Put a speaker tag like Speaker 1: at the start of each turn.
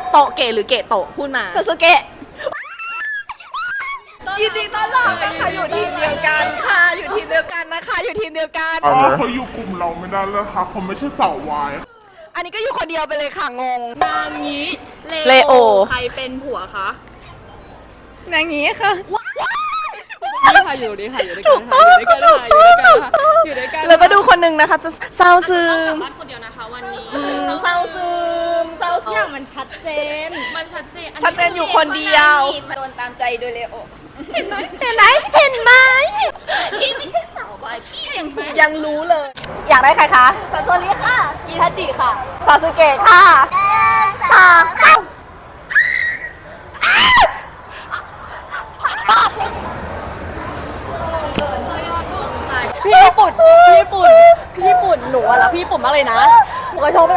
Speaker 1: โตะเกะหรือเกะโตะพูดมา
Speaker 2: ซาสึเกะ
Speaker 1: ยินดีต้อนรับนะคะอยู่ทีมเดียวกันค่ะอยู่ทีมเดียวกันนะคะอยู่ทีมเดียวกัน
Speaker 3: อ๋อเขาอยู่กลุ่มเราไม่ได้เลยค่ะเขาไม่ใช่สาววาย
Speaker 1: อันนี้ก็อยู่คนเดียวไปเลยค่ะงง
Speaker 4: นางงี้
Speaker 1: เลโอ
Speaker 4: ใครเป็นผัวคะ
Speaker 2: นางงี้ค่ะ
Speaker 4: นี่ค่ะอยู่ด้วยกันค่ะอยู่ด้วยกันค่ะอยู่ด้วยกัน
Speaker 1: แล้วก็ดูคนหนึ่งนะคะจะเศร้าซึม
Speaker 4: บ้านคนเดียวนะคะวันนี้
Speaker 1: เศร้าซึมเศร้าซึม
Speaker 2: มันชัดเจน
Speaker 4: มันชัดเจน
Speaker 1: ชัดเจนอยู่คนเดียว
Speaker 2: โดนตามใจโดยเลโอ
Speaker 1: เห็นไหมเห็นไหม
Speaker 2: พี่ไม่ใช่สาววายพี่ยังถูก
Speaker 1: ยังรู้เลย อยากได้ใครคะซาโซริค่ะอิทาจิค่ะซาสึเกะค่ะค่ะพี่ญี่ปุ่นหนูอะรักพี่ญี่ปุ่นมากเลยนะหนูก็ชอบ